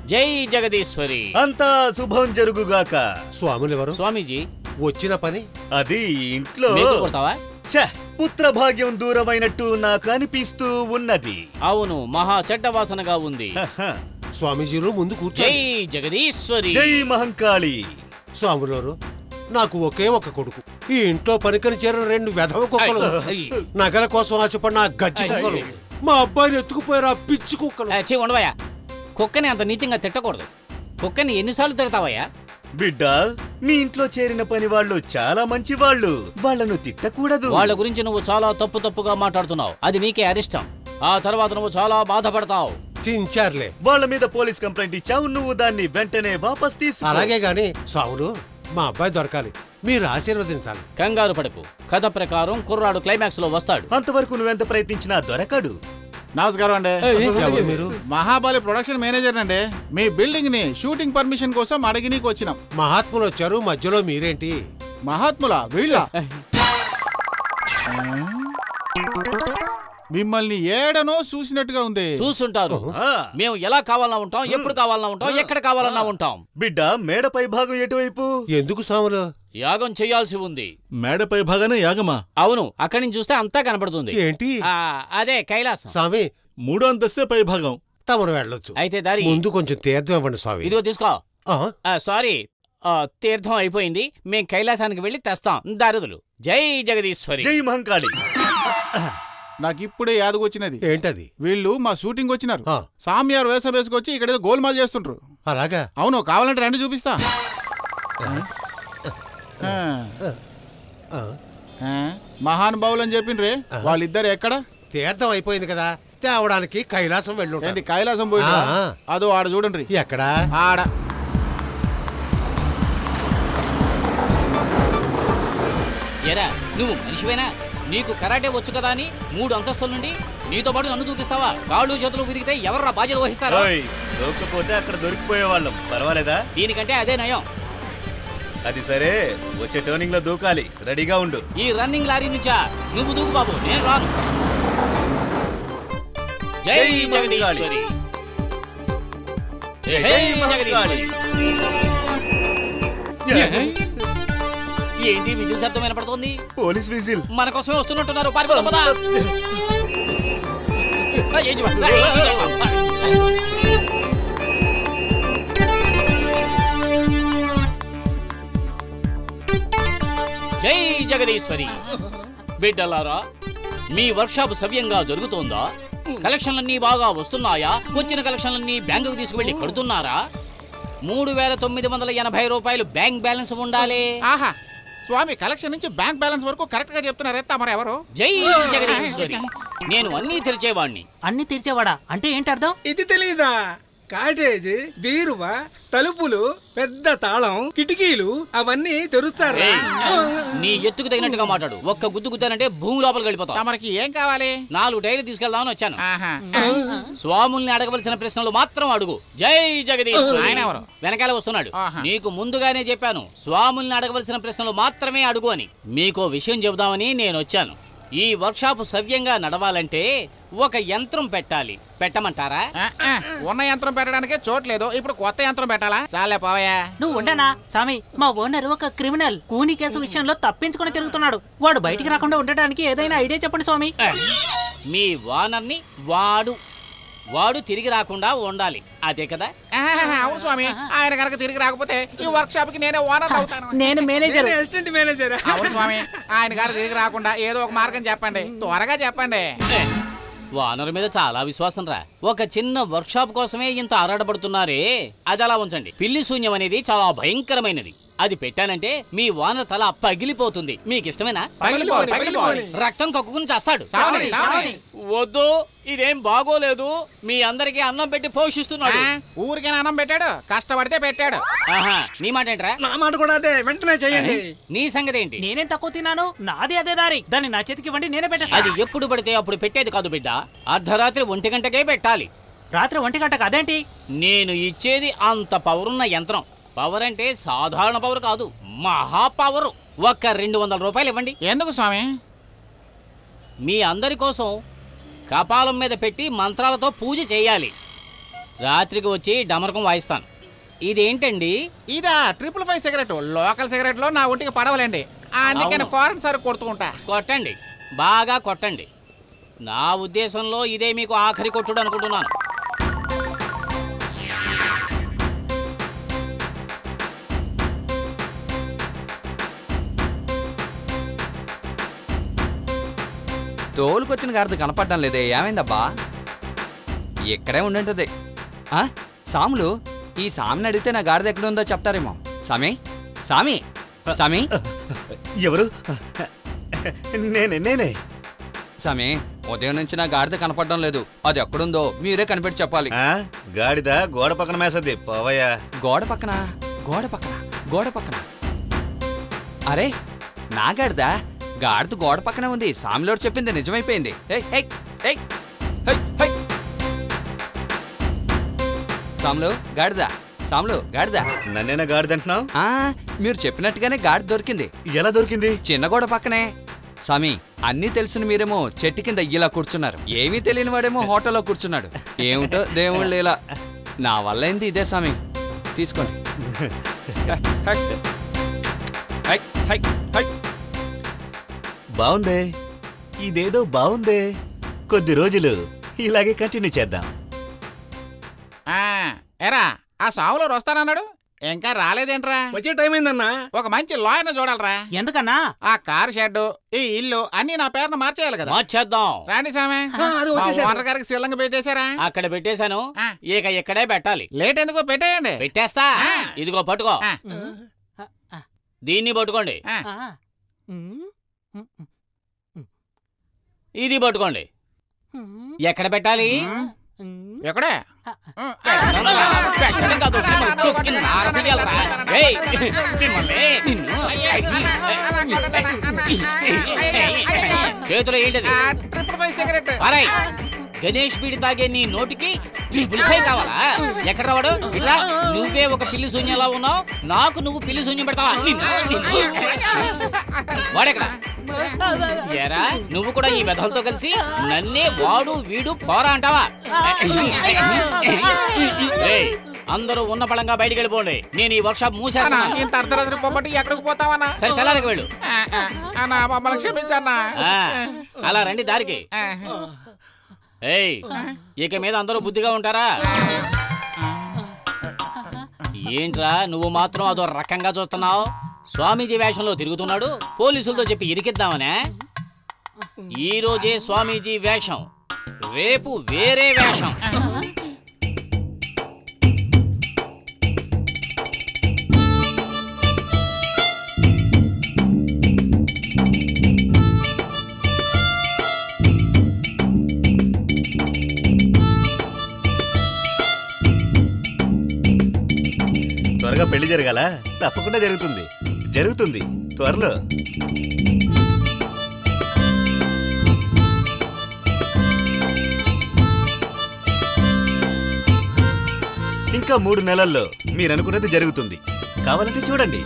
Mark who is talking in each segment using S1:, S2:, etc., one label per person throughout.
S1: జై జగదీశ్వరి.
S2: అంతా శుభం జరుగుగాక.
S3: స్వాములెవరు?
S1: స్వామీజీ
S3: వచ్చిన పని
S2: అది ఇంట్లో పుత్ర భాగ్యం దూరమైనట్టు నాకు అనిపిస్తూ ఉన్నది.
S1: అవును, మహా చెడ్డ వాసనగా ఉంది.
S3: స్వామీజీలు ముందు కూర్చో.
S1: జై జగదీశ్వరి.
S2: జై మహంకాళి.
S3: స్వాములారు, నాకు ఒకే ఒక కొడుకు. ఈ ఇంట్లో పనికని చేరిన 2 వెధవ కుక్కలు, నగల కోసం ఆశపడిన గజ్జి కుక్కలు, మా అబ్బాయిని ఎత్తుకుపోయారు ఆ పిచ్చి కుక్కలు.
S1: ఉండవయ్యా, కుక్కని అంత నీచంగా తిట్టకూడదు. కుక్కని ఎన్నిసార్లు తిడతావయ్యా?
S2: బిడ్డ, మీ ఇంట్లో చేరిన పని వాళ్ళు చాలా మంచి వాళ్ళు, వాళ్ళను తిట్టకూడదు.
S1: వాళ్ళ గురించి నువ్వు చాలా తప్పుగా మాట్లాడుతున్నావు. అది నీకే అరిష్టం. ఆ తర్వాత నువ్వు చాలా బాధపడతావు.
S3: చించారులే.
S2: వాళ్ళ మీద పోలీస్ కంప్లైంట్ ఇచ్చావు, నువ్వు దాన్ని వెంటనే వాపస్ తీసుకో.
S3: అలాగే గాని సావులు, మా అబ్బాయి దొరకాలి, మీరు ఆశీర్వదించాలి.
S1: కంగారు పడకు. కథ ప్రకారం కుర్రాడు క్లైమాక్స్ లో వస్తాడు.
S2: అంతవరకు నువ్వెంత ప్రయత్నించినా దొరకడు.
S4: నమస్కారం అండి.
S3: మీరు?
S4: మహాబలి ప్రొడక్షన్ మేనేజర్ అండి. మీ బిల్డింగ్ ని షూటింగ్ పర్మిషన్ కోసం అడిగినీకి వచ్చినాం.
S3: మహాత్ములు వచ్చారు, మధ్యలో మీరేంటి?
S4: మహాత్ములా? వీళ్ళ మిమ్మల్ని ఏడనో చూసినట్టుగా ఉంది.
S1: చూసుంటారు. మేము ఎలా కావాలన్నా ఉంటాం, ఎప్పుడు కావాలన్నా ఉంటాం, ఎక్కడ కావాలన్నా ఉంటాం.
S2: బిడ్డ, మేడపై భాగం ఎటువైపు?
S3: ఎందుకు సాములు?
S1: యాగం చేయాల్సి ఉంది.
S5: మేడపై భాగానే యాగమా?
S1: అవును, అక్కడి నుంచి చూస్తే అంతా కనపడుతుంది.
S3: ఏంటి?
S1: అదే కైలాసం.
S3: స్వామి,
S5: 3వ అంతస్తే పై భాగం.
S3: తమరు వెళ్ళొచ్చు.
S1: అయితే దారి
S3: ముందు కొంచెం తీర్థం ఇవ్వండి స్వామి.
S1: ఇదిగో తీసుకో. సారీ, తీర్థం అయిపోయింది. మేం కైలాసానికి వెళ్ళి తెస్తాం. దారుదులు. జై జగదీశ్వరి.
S2: జై మహంకాళి.
S4: నాకు ఇప్పుడే యాదకొచ్చినది.
S3: ఏంటది?
S4: వీళ్ళు మా షూటింగ్ వచ్చినారు. సామ్యారు వేషం వేసుకొచ్చి ఇక్కడ గోల్మాల్ చేస్తుంటారు.
S3: అలాగా?
S4: అవును, కావాలంటే రండి చూపిస్తా. మహానుభావులు అని చెప్పిండ్రే, వాళ్ళిద్దరు ఎక్కడ?
S3: తీర్థం అయిపోయింది కదా, తేవడానికి కైలాసం వెళ్ళి.
S4: కైలాసం పోయి అదో ఆడ చూడండి.
S3: ఎక్కడా?
S4: ఆడ.
S1: ఎరా, నువ్వు మనిషివేనా? నీకు కరాటే వచ్చు కదా అని 3 అంతస్తుల నుండి నీతో పాటు నన్ను దూకిస్తావా? కాళ్ళు చేతులు విరిగితే ఎవర్రా బాధ్యత వహిస్తారా?
S2: దొరకపోతే అక్కడ దొరికిపోయే వాళ్ళం. పర్వాలేదా?
S1: దీనికంటే అదే నయం.
S2: అది సరే, వచ్చే టర్నింగ్ లో దూకాలి. రెడీగా ఉండు.
S1: ఈ రన్నింగ్ లారీ నుంచా? నువ్వు దూకు బాబు, నేను రాను. జై జగదీశ్వరి. జై జగదీశ్వరి. ఏంటి విజిల్ శబ్దం వినపడుతోంది?
S2: Police whistle.
S1: మన కోసమే వస్తున్నట్టున్నారు. పారిపోదా. జై జగదీశ్వరి. బిడ్డలారా, మీ వర్క్షాప్ సవ్యంగా జరుగుతోందా? కలెక్షన్లన్నీ బాగా వస్తున్నాయా? వచ్చిన కలెక్షన్లన్నీ బ్యాంకుకు తీసుకువెళ్ళి కడుతున్నారా? 3980 రూపాయలు బ్యాంక్ బ్యాలెన్స్ ఉండాలి.
S4: ఆహా, స్వామి కలెక్షన్ నుంచి బ్యాంక్ బ్యాలెన్స్ వరకు కరెక్ట్ గా చెప్తున్నారే. తమరు ఎవరు?
S1: జై జగదీశ్వరి. నేను అన్నీ తెరిచేవాణ్ణి.
S6: అన్ని తెరిచేవాడా అంటే ఏంటి అర్థం?
S7: ఇది తెలీదా? కాటేజ్, బీరువా, తలుపులు, పెద్ద తాళం, కిటికీలు అవన్నీ తెరుస్తారా?
S1: నీ ఎత్తుకు తగినట్టుగా మాట్లాడు. ఒక్క గుద్దు గుద్దానంటే భూమి లోపలికి వెళ్ళిపోతావు.
S4: తమరికి ఏం కావాలి?
S1: 4 టైర్లు తీసుకెళ్దామని వచ్చాను. స్వాముల్ని అడగవలసిన ప్రశ్నలు మాత్రం అడుగు. జై జగదీశ్వరి.
S4: ఆయన ఎవరు?
S1: వెనకాల వస్తున్నాడు. నీకు ముందుగానే చెప్పాను, స్వాముల్ని అడగవలసిన ప్రశ్నలు మాత్రమే అడుగు అని. మీకో విషయం చెబుదామని నేను వచ్చాను. ఈ వర్క్షాప్ సవ్యంగా నడవాలంటే ఒక యంత్రం పెట్టాలి. పెట్టమంటారా?
S4: ఉన్న యంత్రం పెట్టడానికే చోట్లేదు, ఇప్పుడు కొత్త యంత్రం పెట్టాలా? చాలే పోవయ్యా.
S6: నువ్వు ఉండనా స్వామి? మా ఓనర్ ఒక క్రిమినల్. కూని కేసు విషయంలో తప్పించుకుని తిరుగుతున్నాడు. వాడు బయటికి రాకుండా ఉండడానికి ఏదైనా ఐడియా చెప్పండి స్వామి.
S1: మీ ఓనర్ని వాడు తిరిగి రాకుండా ఉండాలి, అదే కదా?
S4: అవును స్వామి, ఆయన కనుక తిరిగి రాకపోతే ఈ వర్క్ షాప్ కి నేనే ఓనర్ అవుతాను.
S6: నేను మేనేజర్.
S7: Assistant manager.
S4: అవును స్వామి, ఆయన గారు తిరిగి రాకుండా ఏదో ఒక మార్గం చెప్పండి, త్వరగా చెప్పండి.
S1: ఓనర్ మీద చాలా విశ్వాసం రా. ఒక చిన్న వర్క్ షాప్ కోసమే ఇంత ఆరాటపడుతున్నారే, అది అలా ఉంచండి. పిల్లి శూన్యం అనేది చాలా భయంకరమైనది. అది పెట్టానంటే మీ ఓనర్ తల పగిలిపోతుంది. మీకు ఇష్టమేనా? రక్తం కక్కుకుని చేస్తాడు. వద్దు, ఇదేం బాగోలేదు. మీ అందరికి అన్నం పెట్టి పోషిస్తున్నాడు.
S4: ఊరికే అన్నం పెట్టాడు, కష్టపడితే పెట్టాడు.
S1: నీ మాట ఏంట్రా?
S7: నా మాట కూడా అదే, వెంటనే చేయండి.
S1: నీ సంగతి ఏంటి?
S6: నేనేం తక్కువ తిన్నాను? నాది అదే దారి. దాన్ని నా చేతికి ఇవ్వండి, నేనే పెట్టేస్తా.
S1: అది ఎప్పుడు పడితే అప్పుడు పెట్టేది కాదు బిడ్డ. అర్ధరాత్రి 1 గంటకే పెట్టాలి.
S6: రాత్రి 1 గంటకు అదేంటి?
S1: నేను ఇచ్చేది అంత పవరున్న యంత్రం. పవర్ అంటే సాధారణ పవర్ కాదు, మహా పవర్. ఒక్క 200 రూపాయలు ఇవ్వండి.
S4: ఎందుకు స్వామి?
S1: మీ అందరి కోసం కపాలం మీద పెట్టి మంత్రాలతో పూజ చేయాలి. రాత్రికి వచ్చి డమరకం వాయిస్తాను. ఇదేంటండి?
S4: ఇదా 555 సిగరెట్. లోకల్ సిగరెట్ లో నా ఒంటికి పడవలేండి, అందుకని
S1: అవును.
S4: ఫారెన్ సార్ కొడుతూ ఉంటా.
S1: కొట్టండి, బాగా కొట్టండి. నా ఉద్దేశంలో ఇదే మీకు ఆఖరి కొట్టుడు అనుకుంటున్నాను.
S8: తోలుకొచ్చిన గాడిద కనపడడం లేదే, ఏమైందబ్బా? ఇక్కడే ఉండుంటుంది. సాములు, ఈ సామిని అడిగితే నా గాడిద ఎక్కడ ఉందో చెప్తారేమో. సామి, సామి, సామి.
S2: ఎవరు? నేనే.
S8: సామి, ఉదయం నుంచి నా గాడిద కనపడడం లేదు. అది ఎక్కడుందో మీరే కనిపెట్టి చెప్పాలి.
S2: గాడిద గోడ పక్కన మేసది, పోవయ్యా.
S8: గోడ పక్కన, గోడ పక్కన, గోడ పక్కన. అరే, నా గాడిద గాడిద గోడ పక్కనే ఉంది. సామిలోడు చెప్పింది నిజమైపోయింది. సాములు, గాడిద, సాములు, గాడిద.
S2: నన్నేనా గాడిద అంటున్నావు?
S8: మీరు చెప్పినట్టుగానే గాడిద దొరికింది.
S2: ఎలా దొరికింది?
S8: చిన్న గోడ పక్కనే. సామి, అన్నీ తెలిసిన మీరేమో చెట్టు కింద ఇలా కూర్చున్నారు, ఏమీ తెలియని వాడేమో హోటల్లో కూర్చున్నాడు. ఏమిటో దేవుళ్ళు ఇలా. నా వల్ల ఏంది ఇదే సామి, తీసుకోండి.
S2: బాగుందే, ఇదేదో బాగుందే. కొద్ది రోజులు ఇలాగే కంటిన్యూ చేద్దాం.
S4: ఎరా, ఆ సావులో వస్తానన్నాడు, ఇంకా రాలేదేంట్రా?
S7: వచ్చే టైం అయిందన్నా.
S4: ఒక మంచి లాయర్ని చూడాలరా.
S6: ఎందుకన్నా?
S4: ఆ కారు షెడ్, ఈ ఇల్లు అన్ని నా పేరున మార్చేయాలి కదా.
S1: మార్చేద్దాం.
S4: రాండి సామే. ఓనర్ గారికి శిల్లంగా పెట్టేశారా?
S1: అక్కడ పెట్టేశాను, ఇక ఇక్కడే పెట్టాలి.
S4: లేట్ ఎందుకో పెట్టేయండి.
S1: పెట్టేస్తా. ఇదిగో పట్టుకో, దీన్ని పట్టుకోండి, ఇది పట్టుకోండి. ఎక్కడ పెట్టాలి?
S4: ఎక్కడే?
S1: చేతులు ఏంటది?
S4: 555 సిగరెట్.
S1: గణేష్ బీడి తాగే నీ నోటికి 555 కావాలా? ఎక్కడ రావాడు? ఇట్లా నువ్వే ఒక పిల్లి శూన్యంలా ఉన్నావు, నాకు నువ్వు పిల్లి శూన్యం పెడతావా? వాడెక్కడ? ఎరా, నువ్వు కూడా ఈ వెధలతో కలిసి నన్నే వాడు వీడు పోరా అంటావా? అందరూ ఉన్న పళంగా బయటికి వెళ్ళిపోండి. నేను ఈ వర్క్ షాప్ మూసేస్తాను.
S4: ఇంత అర్ధరాత్రి పొమ్మటి ఎక్కడికి పోతావన్నా?
S1: సరే, తెల్లారికి వెళ్ళు.
S4: మమ్మల్ని క్షమించన్నా.
S1: అలా రండి దారికి. ఇక మీద అందరూ బుద్ధిగా ఉంటారా? ఏంట్రా నువ్వు మాత్రం అదో రకంగా చూస్తున్నావు? స్వామీజీ వేషంలో తిరుగుతున్నాడు, పోలీసులతో చెప్పి ఇరికిద్దామనే. ఈ రోజే స్వామీజీ వేషం, రేపు వేరే వేషం.
S2: త్వరగా పెళ్లి జరగాల? తప్పకుండా జరుగుతుంది, జరుగుతుంది త్వరలో. ఇంకా 3 నెలల్లో మీరనుకున్నది జరుగుతుంది. కావాలంటే చూడండి.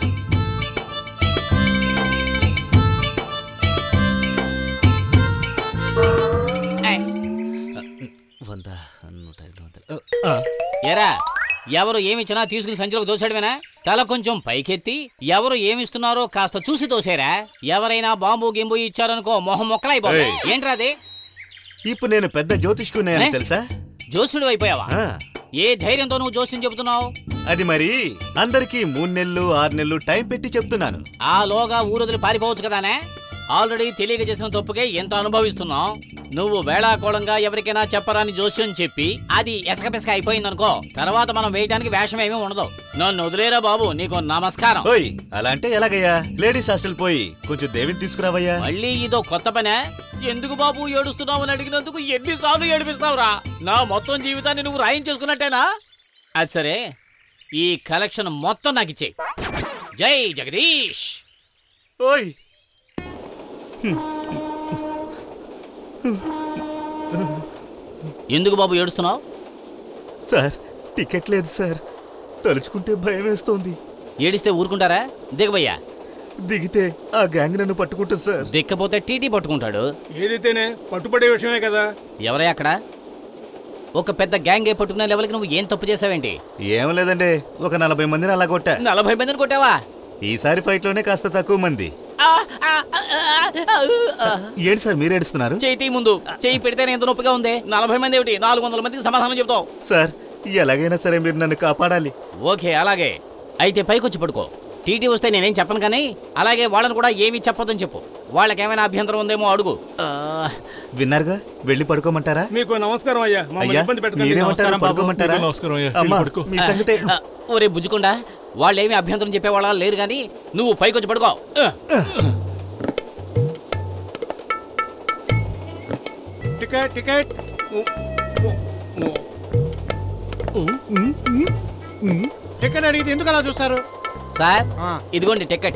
S1: ఎరా, ఎవరు ఏమిచ్చినా తీసుకుని సంచిలోకి దోసాడువేనా? తల కొంచెం పైకెత్తి ఎవరు ఏమిస్తున్నారో కాస్త చూసి తోసేరా. ఎవరైనా బాంబు గింబు ఇచ్చారనుకో మొహం మొక్కలైపోయి. ఏంట్రా అది?
S2: ఇప్పుడు నేను పెద్ద జ్యోతిష్కున్నాయని తెలుసా?
S1: జోసుడు అయిపోయావా? ఏ ధైర్యంతో నువ్వు జోస్యం చెబుతున్నావు?
S2: అది మరి అందరికీ 3 నెలలు 6 నెలలు టైం పెట్టి చెప్తున్నాను.
S1: ఆ లోగా ఊరొదిలి పారిపోవచ్చు కదానే. ఆల్రెడీ తెలియక చేసిన తప్పుకే ఎంత అనుభవిస్తున్నావు. నువ్వు వేళాకోళంగా ఎవరికైనా చెప్పరాని జోస్యం చెప్పి అది ఎసకపెసక అయిపోయిందనుకో, తర్వాత మనం వేయడానికి వేషం ఏమీ ఉండదు. నన్ను వదిలేరా బాబు, నీకు నమస్కారం.
S2: ఓయ్, అలా అంటే ఎలాగయ్యా? లేడీస్ హాస్టల్ పోయి కొంచెం దేవిని తీసుకురావయ్యా.
S1: మళ్ళీ ఇదో కొత్త పనే? ఎందుకు బాబు ఏడుస్తున్నావు అని అడిగినందుకు ఎన్నిసార్లు ఏడిపిస్తావురా? నా మొత్తం జీవితాన్ని నువ్వు రాయించేసుకున్నట్టేనా? అది సరే, ఈ కలెక్షన్ మొత్తం నాకు ఇచ్చేయి. జై జగదీష్.
S2: ఓయ్,
S1: ఎందుకు బాబు ఏడుస్తున్నావు?
S2: సార్, టికెట్ లేదు సార్. తలుచుకుంటే భయం వేస్తోంది.
S1: ఏడిస్తే ఊరుకుంటారా? దిగబయ్యా.
S2: దిగితే ఆ గ్యాంగ్ నన్ను పట్టుకుంటుంది సార్.
S1: దిక్కపోతే టీటీ పట్టుకుంటాడు.
S7: ఏదైతేనే పట్టుబడే విషయమే కదా.
S1: ఎవరై అక్కడ? ఒక పెద్ద గ్యాంగ్ పట్టుకునే లెవెల్కి నువ్వు ఏం తప్పు చేసావేంటి?
S2: ఏం లేదండి, ఒక 40 మందిని అలా కొట్టా.
S1: 40 మందిని కొట్టావా?
S2: ఈసారి ఫైట్ లోనే కాస్త తక్కువ మంది. ఏంటి సార్ మీరు ఏడుస్తున్నారు?
S1: చేయి ముందు చేయి పెడితేనే ఎంత నొప్పిగా ఉంది. 40 మంది ఏమిటి, 400 మందికి సమాధానం చెప్తావు.
S2: సార్ ఎలాగైనా సరే మీరు నన్ను కాపాడాలి.
S1: ఓకే అలాగే, అయితే పైకొచ్చి పడుకో. టీటీ వస్తే నేనేం చెప్పను, కానీ అలాగే వాళ్ళని కూడా ఏమీ చెప్పొద్దని చెప్పు. వాళ్ళకేమైనా అభ్యంతరం ఉందేమో అడుగు.
S2: విన్నారుగా, వెళ్ళి పడుకోమంటారా?
S7: మీకు నమస్కారం అయ్యా,
S2: అయ్యా మీరేమంటారు? పడుకోమంటారా? అమ్మా, మీ సంగతే.
S1: ఒరే బుజ్జుకుండా, వాళ్ళేమీ అభ్యంతరం చెప్పేవాళ్ళ లేరు, కానీ నువ్వు పైకొచ్చి పడుకో.
S3: టికెట్ టికెట్ టికెట్ అడిగితే ఎందుకు అలా చూస్తారు?
S1: సార్ ఇదిగోండి టికెట్.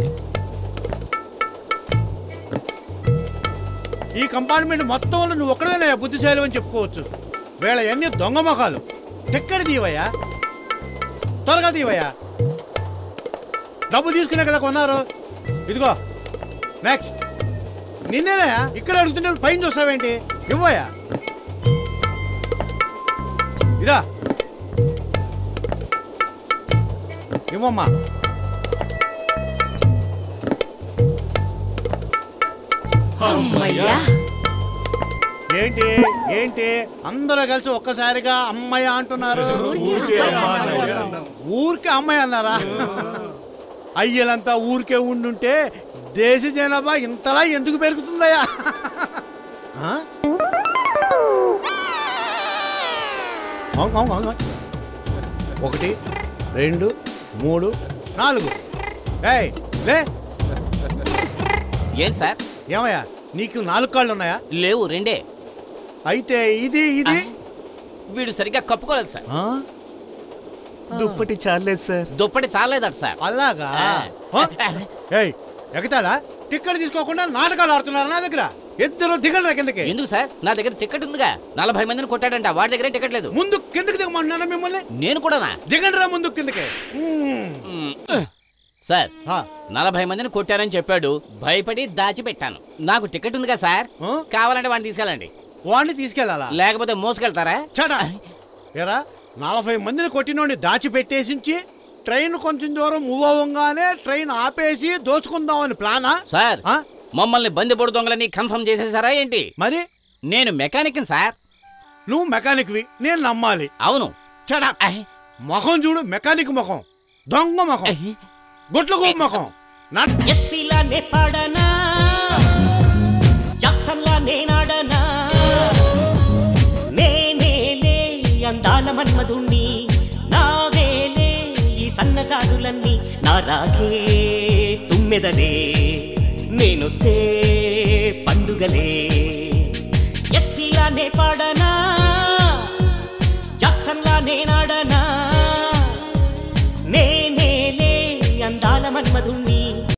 S3: ఈ కంపార్ట్మెంట్ మొత్తంలో నువ్వు ఒక్కడైనా బుద్ధిశాలి అని చెప్పుకోవచ్చు. వీళ్ళ ఎన్ని దొంగ మొఖాలు. టికెట్ తీవయ్యా, త్వరగా తీవయ్యా. డబ్బు తీసుకునే కదా కొన్నారు. ఇదిగో నెక్స్ట్. నిన్నేనయా ఇక్కడ అడుగుతుంటే పైన చూస్తావేంటి? ఇవ్వయా. ఇదా ఇవ్వమ్మా. ఏంటి ఏంటి అందరూ కలిసి ఒక్కసారిగా అమ్మాయి అంటున్నారు? ఊరికే అమ్మాయి అన్నారా? అయ్యలంతా ఊరికే ఉండుంటే దేశ జనాభా ఇంతలా ఎందుకు పెరుగుతుందయ్యా? 1 2 3 4. ఏయ్ లే.
S1: ఏం సార్?
S3: ఏమయ్యా నీకు 4 కాళ్ళు ఉన్నాయా?
S1: లేవు, 2.
S3: అయితే ఇది ఇది
S1: వీడు సరిగ్గా కప్పుకోలేదు సార్.
S2: దుప్పటి చాలేదు సార్.
S1: దుప్పటి చాలేదట సార్.
S3: అలాగా? ఏయ్ ఎగతాళా? టికెట్ తీసుకోకుండా నాటకాలు ఆడుతున్నారు నా దగ్గర. ఇద్దరు దిగలరా కిందకి.
S1: ఎందుకు సార్? నా దగ్గర టికెట్ ఉందిగా. 40 మందిని కొట్టాడంట, వాడి దగ్గర టికెట్ లేదు.
S3: ముందు కిందకి దిగమంటున్నారా మిమ్మల్ని?
S1: నేను కూడా.
S3: దిగండిరా ముందు కిందకి.
S1: సార్ 40 మందిని కొట్టారని చెప్పాడు, భయపడి దాచిపెట్టాను. నాకు టికెట్ ఉందిగా సార్, కావాలంటే వాడిని తీసుకెళ్ళండి.
S3: వాడిని తీసుకెళ్ళాలా?
S1: లేకపోతే మోసుకెళ్తారా?
S3: చడా ఏరా, 40 మందిని కొట్టినోడిని దాచిపెట్టేసించి ట్రైన్ కొంచెం దూరం మూవ్ అవ్వగానే ట్రైన్ ఆపేసి దోచుకుందామని ప్లానా?
S1: సార్ మమ్మల్ని బందిపోడు దొంగలని కన్ఫర్మ్ చేసేసారా ఏంటి?
S3: మరి
S1: నేను మెకానిక్ సార్.
S3: నువ్వు మెకానిక్వి, నేను నమ్మాలి.
S1: అవును.
S3: చడా ముఖం చూడు, మెకానిక్ ముఖం, దొంగ ముఖం, గుట్ల గోపు ముఖం.
S9: ఎస్పీలానే పాడనా, జాక్సన్లా నేనాడనా, నేనేలే అందాల మన్మధుణ్ణి, నావేలే ఈ సన్నజాజులన్నీ, నా రాగే తుమ్మెదలే, నేనొస్తే పండుగలే. ఎస్పీలానే పాడనా, జాక్సన్లా నేనాడనా, నేనేలే అందాల మన్మధుణ్ణి,